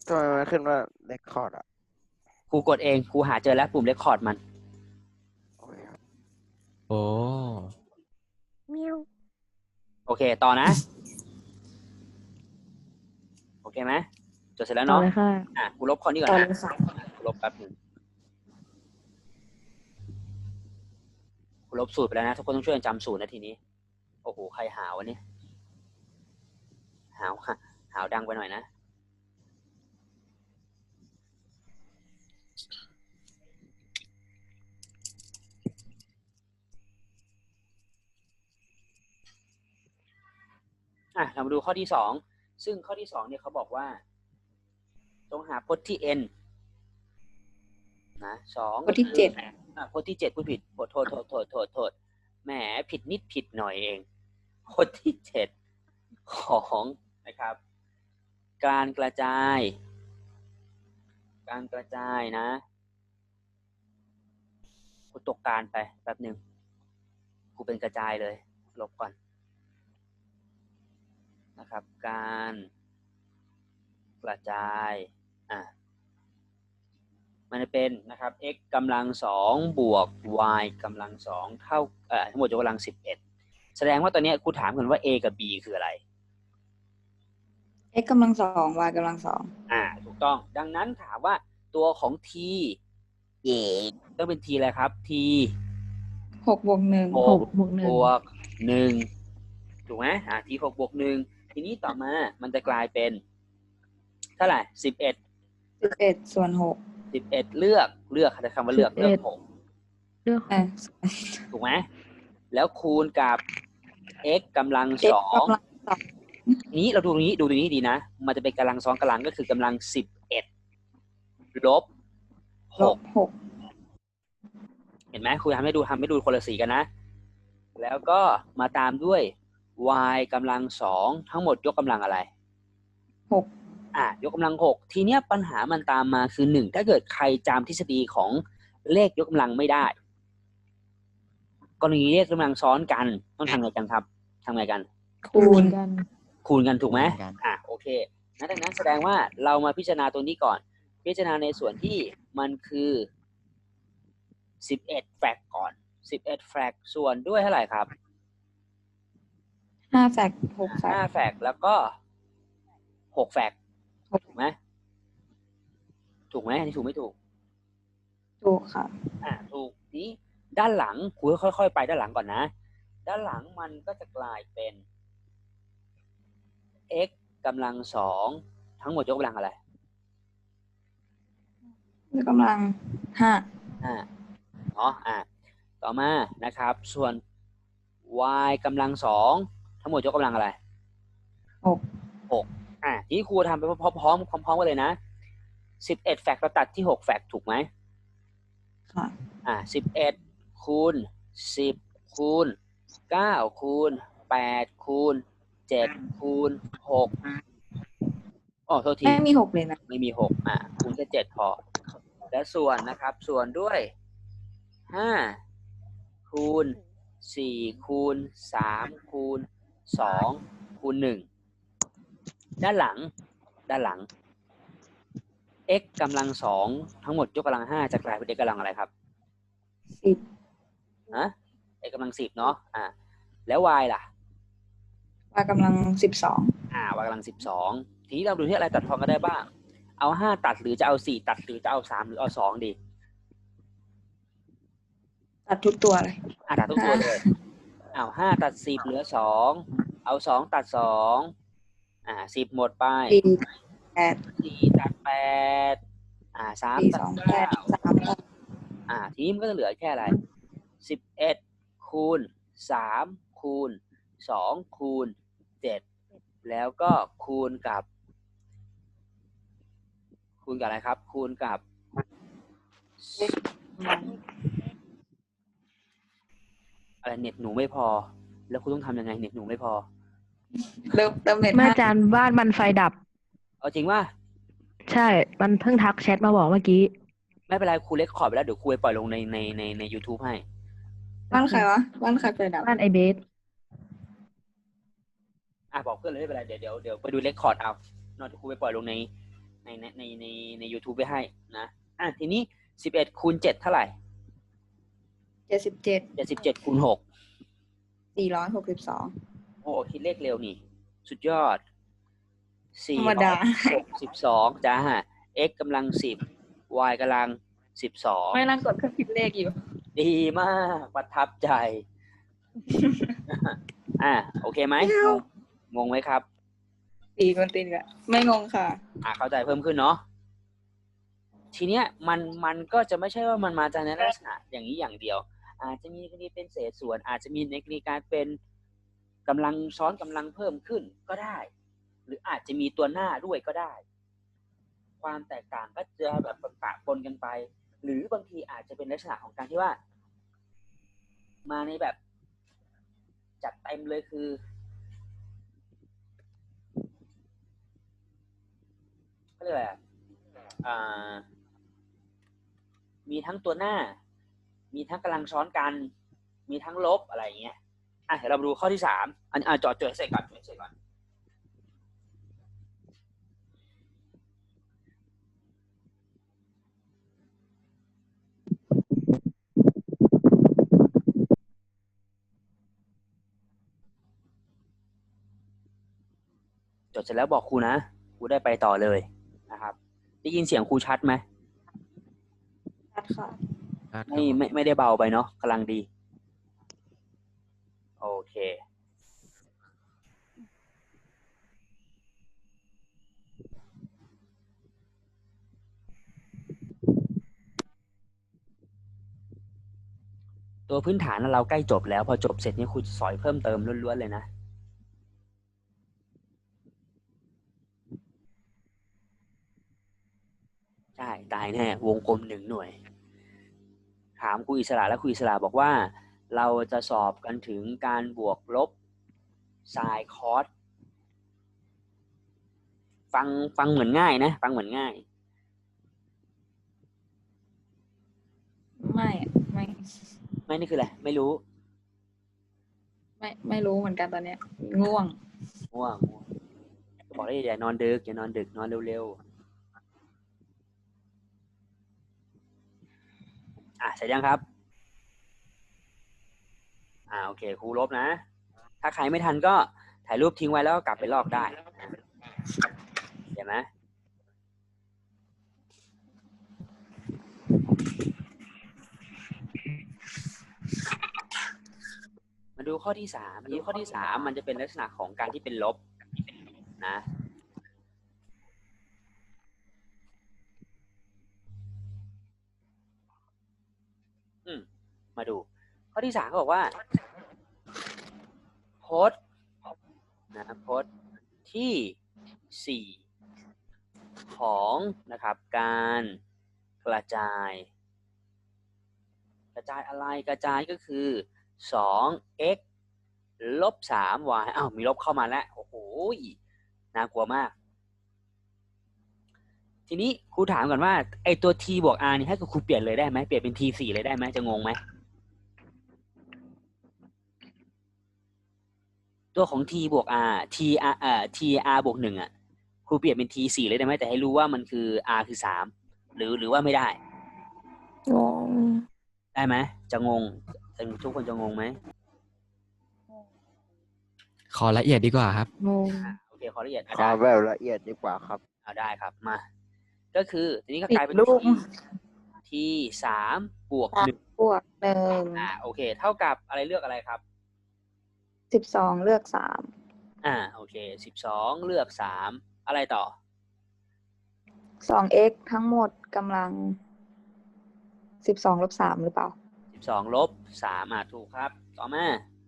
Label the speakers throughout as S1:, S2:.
S1: ทำไมมันขึ้นว่าเรคคอร์ดอ่ะ
S2: ครูกดเองครูหาเจอแล้วปุ่มเรคคอร์ดมัน
S1: โอเคครับ
S3: โอ้
S1: เมียว
S2: โอเคต่อนะโอเคไหมจดเสร็จแล้ว
S4: ต่อ
S2: เนาะ
S4: เลยค่ะ
S2: กูลบข้อนี้ก่อน
S4: ต่อ
S2: นะ
S4: เลยค่ะ
S2: กูลบแป๊บหนึงกูลบสูตรไปแล้วนะทุกคนต้องช่วยกันจำสูตรนะทีนี้โอ้โหใครหาวะเนี่ยหาวค่ะหาวดังไปหน่อยนะเรามาดูข้อที่สองซึ่งข้อที่สองเนี่ยเขาบอกว่าจงหาพจน์ที่ n นะสอง
S4: พจน์ที่เจ็ด
S2: พจน์ที่เจ็ดพูดผิดโทษแหมผิดนิดผิดหน่อยเองพจน์ที่เจ็ดของนะครับการกระจายนะกูตกการไปแป๊บหนึ่งกูเป็นกระจายเลยลบก่อนนะครับการกระจายมันจะเป็นนะครับ x กำลังสองบวก y กำลังสองเท่าทั้งหมดยกกำลัง11แสดงว่าตอนนี้ครูถามกันว่า a กับ b คืออะไร
S4: x กำลังสอง y กำลังสอง
S2: ถูกต้องดังนั้นถามว่าตัวของ t ต้องเป็น t อะไรครับ t
S4: หกบวกหนึ่ง
S2: บวก1ถูกไหมt 6บวก1ทีนี้ต่อมามันจะกลายเป็นเท่าไหร่11
S4: ส่วน6
S2: 11เลือกคำว่าเลือก6ถูกไหมแล้วคูณกับ x กำลังสองนี้เราดูตรงนี้ดีนะมันจะเป็นกำลังสองกำลังก็คือกำลัง11ลบ6เห็นไหมครูทำให้ดูคนละสีกันนะแล้วก็มาตามด้วย y กำลังสองทั้งหมดยกกำลังอะไร
S4: 6
S2: ยกกำลัง6ทีเนี้ยปัญหามันตามมาคือ1ถ้าเกิดใครจำทฤษฎีของเลขยกกำลังไม่ได้กรณีเลขกำลังซ้อนกันต้องทำไงกันครับทำไงกัน
S4: คูณ
S2: กันถูกไหมโอเคดังนั้นแสดงว่าเรามาพิจารณาตัวนี้ก่อนพิจารณาในส่วนที่มันคือ11แฟกก่อน11แฟกส่วนด้วยเท่าไหร่ครับ
S4: 5แฟก6แฟก
S2: 5แฟกแล้วก็6แฟกถูกไหมอันนี้ถูกไม่ถูก
S4: ถูกค่ะ
S2: ถูกนี้ด้านหลังครูค่อยๆไปด้านหลังก่อนนะด้านหลังมันก็จะกลายเป็น x กำลังสองทั้งหมดยกกำลังอะไร
S4: ยกกำลัง5
S2: เนาะต่อมานะครับส่วน y กำลังสองทั้งหมดยกกำลังอะไร6ที่ครูทำไปพร้อมกันเลยนะ11แฟกเราตัดที่6แฟกถูกไหม
S4: ค่ะ
S2: 11คูณ10คูณ9คูณ8คูณ7คูณ6โทษที
S4: ไม่มี6เลยนะ
S2: ไม่มี6คูณแค่7พอและส่วนนะครับส่วนด้วย5คูณ4คูณ3คูณ2คูณ1ด้านหลังx กำลังสองทั้งหมดยกกำลัง5จะกลายเป็น x กำลังอะไรครับ10x กำลัง10เนาะแล้ว y ล่ะ
S4: y กำลัง12
S2: y กำลัง12ทีนี้เราดูที่อะไรตัดทอนก็ได้บ้างเอา5ตัดหรือจะเอา4ตัดหรือจะเอา3หรือเอา2ดี
S4: ตัดทุกตัวเลย
S2: ตัดทุกตัวเลยเอา5ตัด10เหลือ2เอา2ตัด210หมดไป4ตัด8 3ตัด9ทีนี้มันก็จะเหลือแค่อะไร11คูณ3คูณ2คูณ7แล้วก็คูณกับอะไรครับคูณกับอะไรเน็ตหนูไม่พอแล้วคุณต้องทำยังไงเน็ตหนูไม่พอ
S4: เติมเน็ต
S5: เมื่ออาจารย์บ้านมันไฟดับ
S2: เอาจริงว่า
S5: ใช่มันเพิ่งทักแชทมาบอกเมื่อกี้
S2: ไม่เป็นไรครูเล็กขอไปแล้วเดี๋ยวครูไปปล่อยลงใน YouTube ให้
S4: บ้านใครวะบ้านใครไฟดับ
S5: บ้านไอเบส
S2: บอกเพื่อนเลยไม่เป็นไรเดี๋ยวไปดูเล็กคอร์ดเอาเดี๋ยวครูไปปล่อยลงในใน YouTube ไว้ให้นะทีนี้11 คูณ 7 เท่าไหร่
S4: 77
S2: 77 คูณ 6
S4: 462
S2: โอ้คิดเลขเร็วนี่ สุดยอด
S4: ธรรมดา
S2: 462จ้า x กำลัง 10 y กำลัง 12
S4: ไม่นั่งกดเครื่องคิดเลขอยู่
S2: ดีมากประทับใจ โอเคไหมงงไหมครับ
S4: ตีกวนตีนกันไม่งงค่ะ
S2: เข้าใจเพิ่มขึ้นเนาะทีเนี้ยมันก็จะไม่ใช่ว่ามันมาจากในลักษณะอย่างนี้อย่างเดียว อาจจะมีกรณีเป็นเศษส่วน อาจจะมีในกรณีการเป็นกำลังซ้อนกำลังเพิ่มขึ้นก็ได้ หรืออาจจะมีตัวหน้าด้วยก็ได้ ความแตกต่างก็จะแบบปะปนกันไป หรือบางทีอาจจะเป็นลักษณะของการที่ว่า มาในแบบจัดเต็มเลยคือเขาเรียกอะไรมีทั้งตัวหน้า มีทั้งกำลังซ้อนกัน มีทั้งลบอะไรอย่างเงี้ยเดี๋ยวเรามาดูข้อที่3จดเสร็จก่อนจดเสร็จแล้วบอกครูนะครูได้ไปต่อเลยนะครับได้ยินเสียงครูชัดไหม
S4: ชัดค่ะ
S2: ไม่ได้เบาไปเนาะกำลังดีโอเคตัวพื้นฐานเราใกล้จบแล้วพอจบเสร็จนี่ครูสอนเพิ่มเติมล้วนๆเลยนะใช่ตายแน่วงกลม1 หน่วยถามครูอิสระและครูอิสระบอกว่าเราจะสอบกันถึงการบวกลบไซน์คอสฟังเหมือนง่ายนะฟังเหมือนง่ายไม่นี่คืออะไรไม่รู้
S4: ไม่รู้เหมือนกันตอนเนี้ยง่วง
S2: บอกได้อย่านอนดึกนอนเร็วเสร็จยังครับโอเคครูลบนะถ้าใครไม่ทันก็ถ่ายรูปทิ้งไว้แล้วก็กลับไปลอกได้เห็นไหมมาดูข้อที่3มันจะเป็นลักษณะของการที่เป็นลบนะมาดูข้อที่3เขาบอกว่าพจน์ที่4ของนะครับการกระจายอะไรกระจายก็คือ 2x ลบ 3y มีลบเข้ามาแล้วโอ้โหน่ากลัวมากทีนี้ครูถามก่อนว่าไอตัว t บวก r นี่ให้ครูเปลี่ยนเลยได้ไหมเปลี่ยนเป็น t 4เลยได้ไหมจะงงไหมตัวของ t บวก r tr บวก1ครูเปลี่ยนเป็น t 4เลยได้ไหมแต่ให้รู้ว่ามันคือ r คือ3หรือว่าไม่ได้
S4: งง
S2: ได้ไหมจะงงทุกคนจะงงไหม
S3: ขอละเอียดดีกว่าครับ
S4: งง
S2: โอเคขอละเอียด
S1: ขอแบบละเอียดดีกว่าครับ
S2: ได้ครับมาก็คือทีนี้ก็กลายเป็น t 3 บวก 1โอเคเท่ากับอะไรเลือกอะไรครับ
S4: 12เลือก
S2: 3โอเค12เลือก3อะไรต่อ
S4: 2x ทั้งหมดกำลัง12ลบ3หรือเปล่า
S2: 12ลบ3ถูกครับต่อมา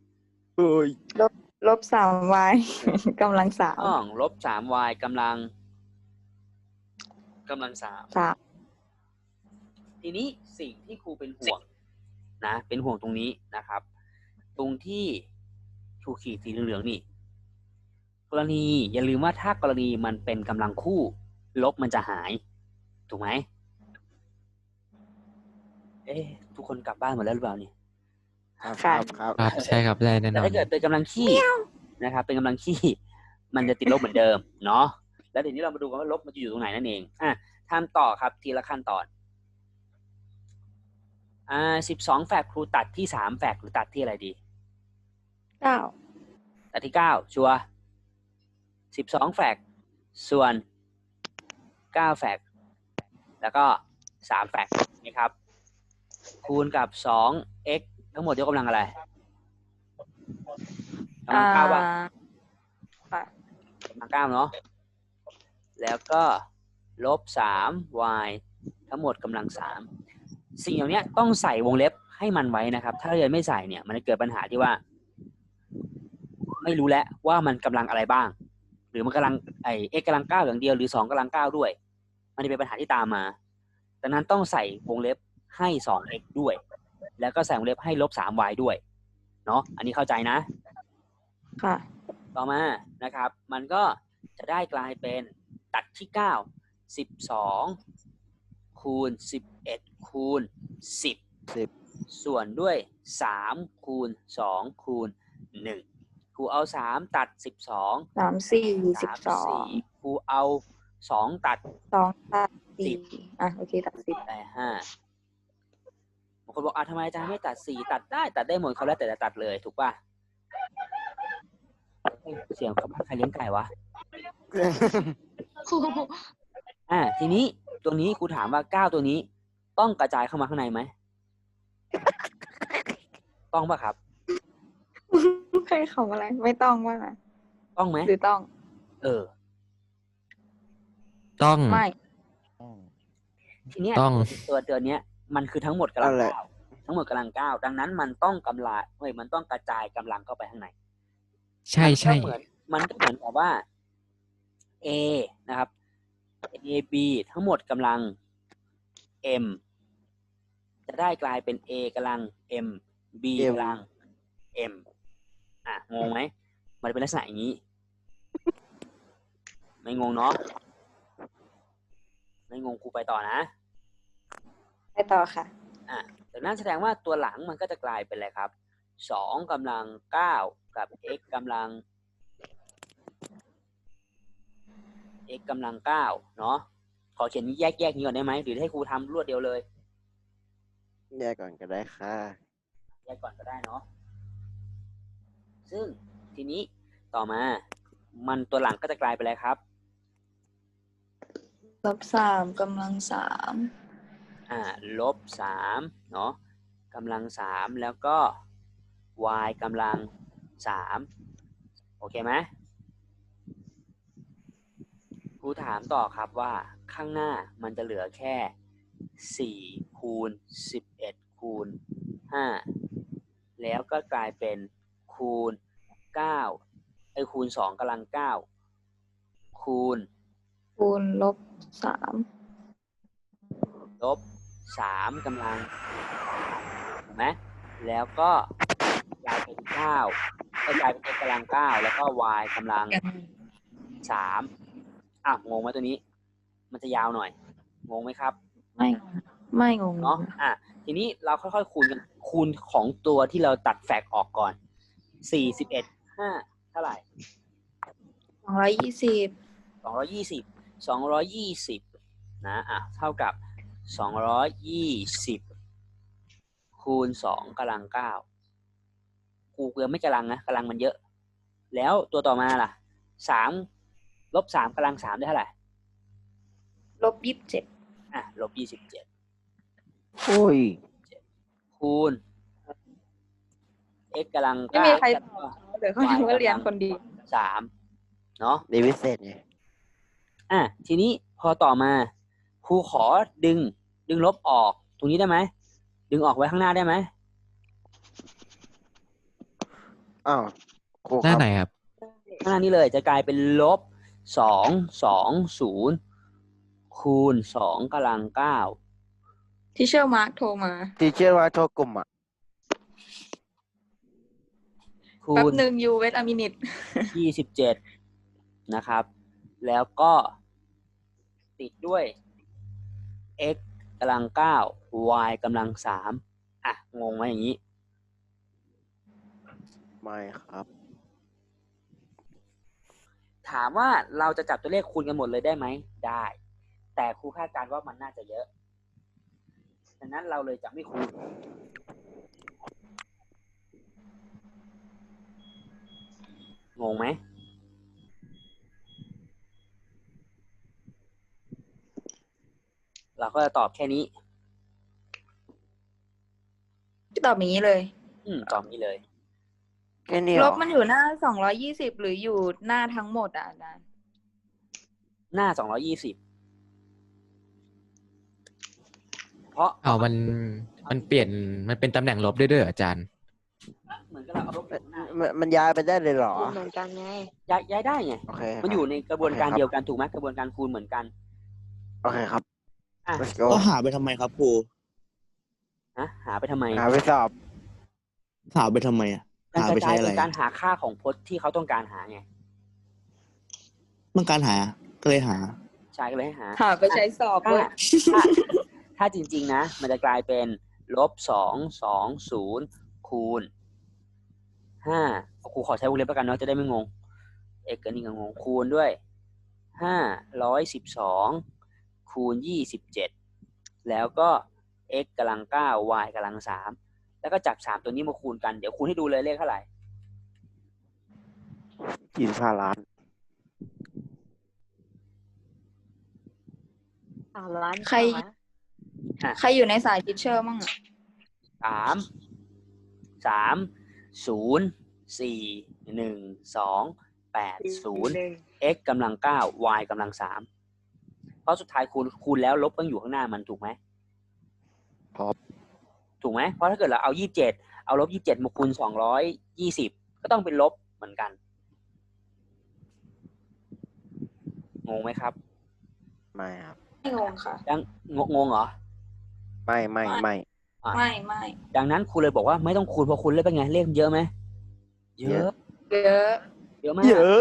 S4: ลบ 3y กำลัง3
S2: ลบ 3y กำลัง3ทีนี้สิ่งที่ครูเป็นห่วงนะเป็นห่วงตรงนี้นะครับตรงที่ถูกขีดสีเหลืองๆนี่กรณีอย่าลืมว่าถ้ากรณีมันเป็นกำลังคู่ลบมันจะหายถูกไหมทุกคนกลับบ้านหมดแล้วหรือเปล่านี่
S1: ครับ
S3: ใช่ครับได้แน่นอน
S2: แต่ถ้าเกิดเป็นกำลังขี้นะครับเป็นกำลังขี้มันจะติดลบเหมือนเดิมเนาะแล้วเดี๋ยวนี้เรามาดูกันว่าลบมันจะอยู่ตรงไหนนั่นเองทำต่อครับทีละขั้นตอน12 แฟกต์ครูตัดที่3 แฟกต์หรือตัดที่อะไรดี
S4: 9
S2: ตัดที่9ชัวร์12 แฟกต์ส่วน9 แฟกต์แล้วก็3 แฟกต์นะครับคูณกับ 2x ทั้งหมดยกกำลังอะไรกำลัง9ป่ะ
S4: ค่ะ
S2: กำลัง9เนาะแล้วก็ลบ 3y ทั้งหมดกำลัง3สิ่งเหล่านี้ต้องใส่วงเล็บให้มันไว้นะครับถ้าเรียนไม่ใส่เนี่ยมันจะเกิดปัญหาที่ว่าไม่รู้แล้วว่ามันกำลังอะไรบ้างหรือมันกำลังx กำลัง9อย่างเดียวหรือ2กำลัง9ด้วยมันจะเป็นปัญหาที่ตามมาดังนั้นต้องใส่วงเล็บให้ 2x ด้วยแล้วก็ใส่วงเล็บให้ลบ 3y ด้วยเนาะอันนี้เข้าใจนะ
S4: ค่ะ
S2: ต่อมานะครับมันก็จะได้กลายเป็นตัดที่9 12คูณ11คูณ10ส่วนด้วย3คูณ2คูณ1ครูเอา3ตัด12
S4: 3 4 12
S2: ครูเอา2ตัด
S4: 2ตัด4โอเคตัด10
S2: ได้5บางคนบอกทำไมอาจารย์ไม่ตัด4ตัดได้หมดเขาแล้วแต่จะตัดเลยถูกป่ะเสียงเขาใครเลี้ยงไก่วะ ทีนี้ตัวนี้ครูถามว่า9ตัวนี้ต้องกระจายเข้ามาข้างในไหม ต้องป่ะครับ
S4: ใครเขาอะไรไม่ต้องว่าไง
S2: ต้องไหม
S4: หรือต้อง
S3: ต้อง
S4: ไม่
S2: ทีเนี้ยตัวเนี้ยมันคือทั้งหมดกำลัง9ทั้งหมดกำลัง9ดังนั้นมันต้องมันต้องกระจายกำลังเข้าไปข้างใน
S3: ใช่ใช่
S2: มันก็เหมือนกับว่า A นะครับ A B ทั้งหมดกำลัง M จะได้กลายเป็น A กำลัง M B กำลัง M งงไหมมันเป็นลักษณะอย่างนี้ไม่งงเนาะไม่งงครูไปต่อนะ
S4: ไปต่อค่ะ
S2: จากนั้นแสดงว่าตัวหลังมันก็จะกลายเป็นอะไรครับ2กำลัง9กับ x กำลัง x กำลัง9เนาะขอเขียนแยกนี้ก่อนได้ไหมหรือให้ครูทำรวดเดียวเลย
S1: แยกก่อนก็ได้ค่ะ
S2: แยกก่อนก็ได้เนาะซึ่งทีนี้ต่อมามันตัวหลังก็จะกลายเป็นอะไรครับ
S4: ลบ3กำลัง3
S2: ลบ3เนาะกำลัง3แล้วก็ y กำลัง3โอเคไหมครูถามต่อครับว่าข้างหน้ามันจะเหลือแค่4คูณ11คูณ5แล้วก็กลายเป็นคูณ9คูณ2กำลัง9คูณ
S4: ลบ
S2: 3กำลังถูกไหมแล้วก็กลายเป็น9ก็กลายเป็น x กำลัง9แล้วก็ y กำลัง3งงไหมตัวนี้มันจะยาวหน่อยงงไหมครับ
S4: ไม่งง
S2: เนาะทีนี้เราค่อยๆคูณของตัวที่เราตัดแฟกออกก่อน41 5เท่าไหร่220นะเท่ากับ220คูณ2กำลัง9กูเกือบไม่กำลังนะกำลังมันเยอะแล้วตัวต่อมาล่ะ3ลบ3กำลัง3ได้เท่าไหร่
S4: ลบ27
S2: ลบ27
S1: โอ้ย
S2: คูณ x กำลัง9
S4: ไม่มีใครตอบเดี๋ยวเขาจะว่าเรียนคนดี
S2: 3เนาะ
S1: เรียนพิเศษไง
S2: ทีนี้พอต่อมาครูขอดึงลบออกตรงนี้ได้ไหมดึงออกไว้ข้างหน้าได้ไหม
S1: ครู
S3: หน้าไหนครับ
S2: ข้างหน้านี้เลยจะกลายเป็นลบ220คูณ2กำลัง9
S4: ที่เชอร์มาร์คโทรมา
S1: ที่เชื่อว่าโทรกลุ่ม
S2: คูณ
S4: แป๊บนึงยูเวทอะมินิต
S2: 27นะครับแล้วก็ติดด้วย x กำลัง9 y กำลัง3งงไหมอย่างนี้
S1: ไม่ครับ
S2: ถามว่าเราจะจับตัวเลขคูณกันหมดเลยได้ไหมได้ แต่ครูคาดการณ์ว่ามันน่าจะเยอะดังนั้นเราเลยจะไม่คูณงงไหมเราก็จะตอบแค่นี้
S4: ตอบอย่างนี้เลย
S2: ตอบนี้เลย
S1: แค่นี้
S4: ล
S1: เหรอบ
S4: มันอยู่หน้า220หรืออยู่หน้าทั้งหมดอ่ะอาจารย์
S2: หน้า220เพราะ
S3: เอามันเปลี่ยนมันเป็นตำแหน่งลบด้วยเหรออาจารย์
S2: เหมือนกับเราเอาลบอยู่ข้างหน้า
S1: มันย้ายไปได้เลยเหรอ
S6: เหมือนกันไง
S2: ย้ายได้ไง
S1: โอเค
S2: มันอยู่ในกระบวนการ
S1: โอเคครับ
S2: เดียวกันถูกไหมกระบวนการคูณเหมือนกัน
S1: โอเคครับ
S2: อ่ะ
S1: let's go
S7: ก็หาไปทำไมครับครู
S2: หาไปทำไม
S1: หาไปสอบ
S7: หาไปทำไมอ่ะ
S2: การ
S7: หาก ไป
S2: ระ
S7: ใช้
S2: จาย
S7: อะไร
S2: เป็นการหาค่าของพจน์ที่เขาต้องการหาไง
S7: ต้องการหา ก็เลยหา
S2: ใช่ก็เลยให้หา
S4: หาไปใช้สอบ
S2: ถ้า
S4: ด้วย
S2: ถ้าจริงๆนะ มันจะกลายเป็น-220คูณ5ครูขอใช้วงเล็บแล้วกันเนาะจะได้ไม่งง x กับนี่ก็งงคูณด้วย512คูณ27แล้วก็ x กำลัง9 y กำลัง3แล้วก็จับ3ตัวนี้มาคูณกันเดี๋ยวคูณให้ดูเลยเลขเท่าไหร่
S1: 25 ล้าน
S6: 3 ล้าน
S4: ใคร
S6: กว่านะ
S4: ใครอยู่ในสายทิชเชอร์มั่งอ่ะ
S2: 3 3 4 1 2 8 0 x กำลัง9 y กำลัง3เพราะสุดท้ายคูณแล้วลบต้องอยู่ข้างหน้ามันถูกไหม
S1: ครับ
S2: ถูกไหมเพราะถ้าเกิดเราเอา27เอาลบ27มาคูณ220ก็ต้องเป็นลบเหมือนกันงงไหมครับ
S1: ไม่ครับ
S4: ไม่งงค่ะ
S2: ยังงงเหรอ
S1: ไม่
S4: ไม่ไม่
S2: ดังนั้นครูเลยบอกว่าไม่ต้องคูณเพราะคูณเลขเป็นไงเลขเยอะไหมเย
S1: เย
S2: อะ
S1: อะ
S4: เยอะ
S2: เยอะมาก
S1: เยอะ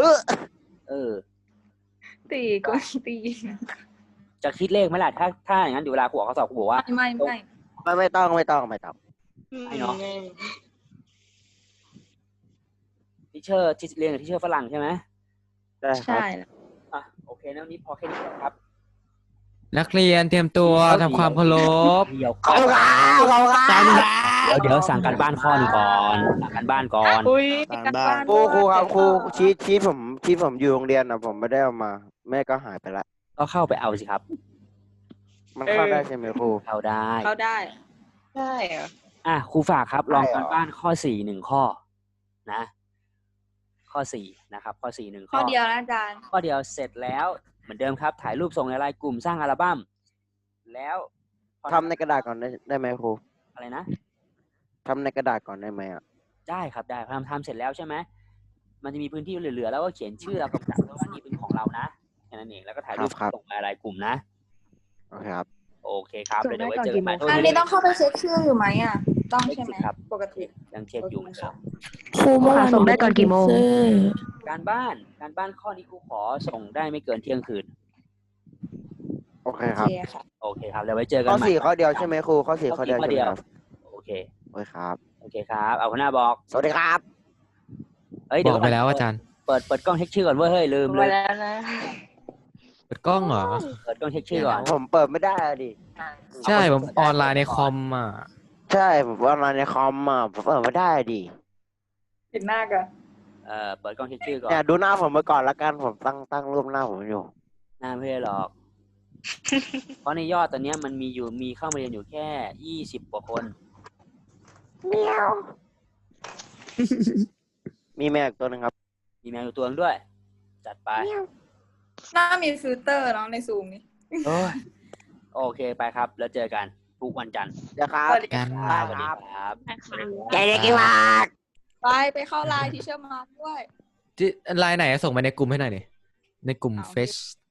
S4: ตีก็ตี
S2: จะคิดเลขไหมล่ะถ้าอย่างนั้นเดี๋ยวเวลาครูออกข้อสอบครูบอกว่า
S4: ไม่
S1: ไม่ต้อง
S2: ไม่เนาะ ทิเชอร์ที่เรียนกับทิเชอร์ฝรั่งใช่ไหม
S1: ได้ครั
S4: ใช่
S1: บ
S2: อ่ะโอเคนะวันนี้พอแค่นี้ก่อนครับ
S3: นักเรียนเตรียมตัวทำความเคารพ
S2: เดี๋ยว
S1: ขอบคุณครับขอบคุณครับ
S2: เดี๋ยวสั่งการบ้านข้อหนึงก่อนสั่งการบ้านก่อน
S4: อุ้ย
S7: ตามบ้าน
S1: ครูครับครูชีทผมอยู่โรงเรียนนะผมไม่ได้เอามา แม่ก็หายไปละ
S2: ก็เข้าไปเอาสิครับ
S1: มันเข้าได้ใช่ไหมครู
S2: เข้าได้
S4: เขาได้
S6: ใช่เหรอ
S2: ครูฝากครับ ลอง
S1: ได้เหรอ
S2: การบ้านข้อ4 1ข้อนะ ข้อ4นะครับ ข้อ4 1
S4: ข้อเดียวนะอาจารย์
S2: ข้อเดียวเสร็จแล้วเหมือนเดิมครับ ถ่ายรูปส่งในไลน์กลุ่มสร้างอัลบั้มแล้วพอ
S1: ทำในกระดาษก่อนได้ไหมครู
S2: อะไรนะ
S1: ทำในกระดาษก่อนได้ไหมอ่ะ
S2: ได้ครับได้ทำเสร็จแล้วใช่ไหมมันจะมีพื้นที่เหลือๆแล้วก็เขียนชื่อเรากับจัดว่านี่เป็นของเรานะแค่นั้นเองแล้วก็ถ่ายรูป
S1: ครับ
S2: ส่งในไลน์กลุ่มนะ
S1: โอเคครับ
S2: โอเคครับ
S5: ส่ง
S2: เดี๋ยวไว้
S5: ได้ก่อน
S2: เจอกันใหม่
S5: กี่โมง
S4: อันนี้ต้องเข้าไปเช็คชื่ออยู่ไหมอ่ะ ต้องใช่ไหม
S2: เช็คสิครับ
S4: ปกติ
S2: ยังเช็คอยู่เหมือนเดิม
S5: ครูเมื่อวานส่งได้ก่อนกี่โมง
S2: การบ้านข้อนี้ครูขอส่งได้ไม่เกินเที่ยงคืน
S1: โอเค
S4: โอ
S1: ครับ
S4: เคค่ะ
S2: โอเคครับเดี๋ยวไว้เจอกัน
S1: ข้อ
S2: ใหม่
S1: 4ข้อเดียวใช่ไหมครูข้อ4ข้อเดียวใช่ไหมครับ
S2: โอเค
S1: โอเคครับ
S2: โอเคครับเอาหัวหน้าบอก
S1: สวัสดีครับ
S2: เฮ้ย
S3: บ
S2: เดี๋ย
S3: อ
S2: ว
S3: กไปแล้วอาจารย์
S2: เปิดกล้องเช็คชื่อก่อนเว้ยเฮ้ยลืมเล
S6: มาย แล้วนะ
S3: เปิดกล้องเหรอ
S2: เปิดกล้องเช็คชื่อก่อน
S1: ผมเปิดไม่ได้อะดิ
S3: ใช่ ผมออนไลน์ในคอมอ่ะ
S1: ใช่ผมว่ามาในคอมอ่ะผมเปิดไม่ได้อะดิ
S4: เห็นหน้ากัน
S2: เปิดกล้องเช็คชื่อก่อน
S1: เนี่ยดูหน้าผมไปก่อนละกันผมตั้งรูปหน้าผมอยู่
S2: หน้าไม่ได้หรอก เพราะในยอดตอนเนี้ยมันมีเข้ามาเรียนอยู่แค่20 กว่าคน
S1: มีแมวอีกตัวหนึ่งครับ
S2: มีแมวอยู่ตัวนึงด้วย จัดไป
S4: หน้ามีฟิลเตอร์เนาะในซูมนี่
S2: โอ้ยโอเคไปครับ แล้วเจอกันทุกวันจันทร์
S1: เดี๋ยวครับ
S4: สวัสดี
S3: กัน
S2: ครับสวัสดีครับ
S1: ใจเด็กกี่บาท
S4: ไปเข้าไลน์ทิชเชอร์มาด้วย
S3: ไลน์ไหนส่งมาในกลุ่มให้หน่อยดิในกลุ่ม
S4: เอา
S3: เฟซ